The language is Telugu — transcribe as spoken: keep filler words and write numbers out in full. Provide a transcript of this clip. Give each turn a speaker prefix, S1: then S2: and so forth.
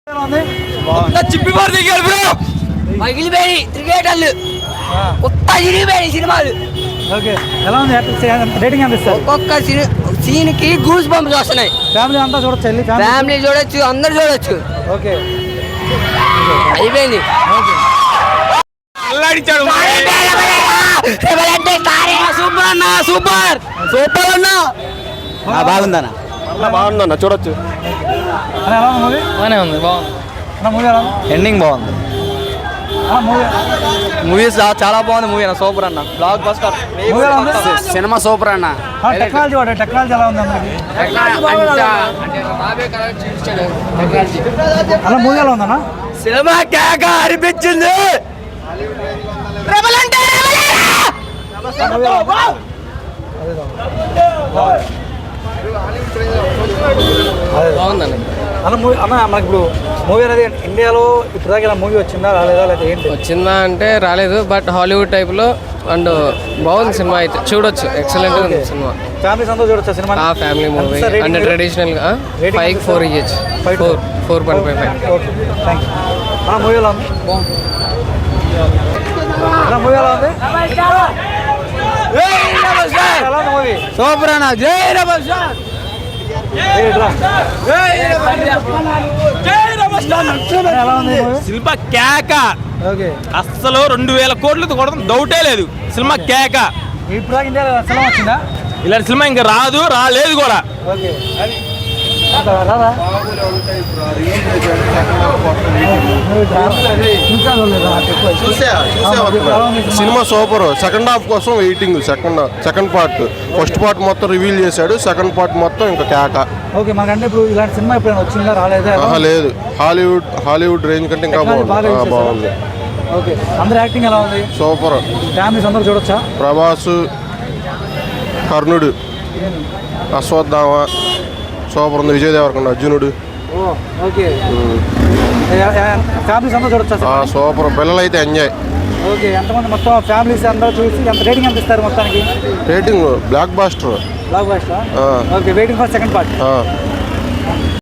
S1: చిప్పిపోయి క్రికెటర్లు కొత్త చిరిగిపోయి సినిమాలు.
S2: ఎలా ఉంది రేటింగ్ ఎంత ఇస్తారు?
S1: ఒక్కొక్క సీన్ కి గూస్ బంప్స్ వస్తున్నాయి.
S2: ఫ్యామిలీ అంతా చూడొచ్చు,
S1: ఫ్యామిలీ చూడొచ్చు, అందరు చూడొచ్చు.
S2: ఓకే
S1: అయిపోయింది. సూపర్ అన్న, సూపర్ సూపర్ అన్న, బాగుందన్న,
S3: బాగుందన్న చూడొచ్చు.
S1: బాగానే ఉంది, బాగుంది.
S2: ఎండింగ్ బాగుంది.
S1: మూవీస్ చాలా బాగుంది. మూవీ అన్న సూపర్ అన్న, బ్లాక్ బస్టర్ సినిమా సూపర్ అన్న.
S2: టెక్నాలజీ వాడు టెక్నాలజీ ఎలా ఉంది అందరికి? అలా మూవీ ఎలా ఉందన్న?
S1: సినిమా కేక అనిపించింది. బాగుందండి
S2: అన్న. మూవీ అన్న మనకి ఇప్పుడు మూవీ అనేది ఇండియాలో ఇప్పుడు దాకా ఇలా మూవీ వచ్చిందా రాలేదా లేదా ఏంటి?
S4: వచ్చిందా అంటే రాలేదు, బట్ హాలీవుడ్ టైప్లో అండ్ బాగుంది సినిమా, అయితే చూడొచ్చు. ఎక్సలెంట్ ఉంది సినిమా.
S2: ఫ్యామిలీస్ అంతా చూడొచ్చు సినిమా.
S4: ఆ ఫ్యామిలీ మూవీ అండ్ ట్రెడిషనల్గా ఫైవ్ ఫోర్ ఇయ్యచ్చు. Four four point five five
S2: okay thank you. అన్న మూవీ ఎలా ఉంది? అన్న మూవీ ఎలా ఉంది? ఎలా ఉంది మూవీ?
S1: సూపర్ అన్న. జై రెబల్ స్టార్.
S3: సినిమా కేక అస్సలు రెండు వేల కోట్లు కొడతాం డౌటే లేదు. సినిమా కేక.
S2: ఇప్పుడు దాకా ఇండియాలో సినిమా వచ్చిందా?
S3: ఇలాంటి సినిమా ఇంకా రాదు, రాలేదు కూడా.
S2: ఓకే
S5: సినిమా సూపర్. సెకండ్ హాఫ్ కోసం waiting. Second second part first part మొత్తం రివీల్ చేశాడు, సెకండ్ పార్ట్ మొత్తం ఇంకా కేక.
S2: ఓకే మనకంటే ఇప్పుడు ఇలాంటి సినిమా ఎప్పుడైనా వచ్చిందా రాలేదా?
S5: లేదు, హాలీవుడ్ హాలీవుడ్ రేంజ్ కంటే ఇంకా బాగుంది. బాగుంది.
S2: ఓకే అందరు యాక్టింగ్ ఎలా ఉంది?
S5: సూపర్.
S2: ఫ్యామిలీస్ అందరూ చూడొచ్చా?
S5: ప్రభాస్, కర్ణుడు, అశ్వత్థామ సూపర్ ఉంది. విజయ్ దేవరకొండ, అర్జునుడు.
S2: ఓకే ఫ్యామిలీస్ అందరూ చూడొచ్చా?
S5: సూపర్. పిల్లలు అయితే ఎంజాయ్.
S2: ఓకే ఎంతమంది మొత్తం ఫ్యామిలీస్ అందరూ చూసి ఎంత రేటింగ్ ఎంత ఇస్తారు మొత్తానికి?
S5: Rating blockbuster.
S2: Blockbuster. Okay waiting for second part.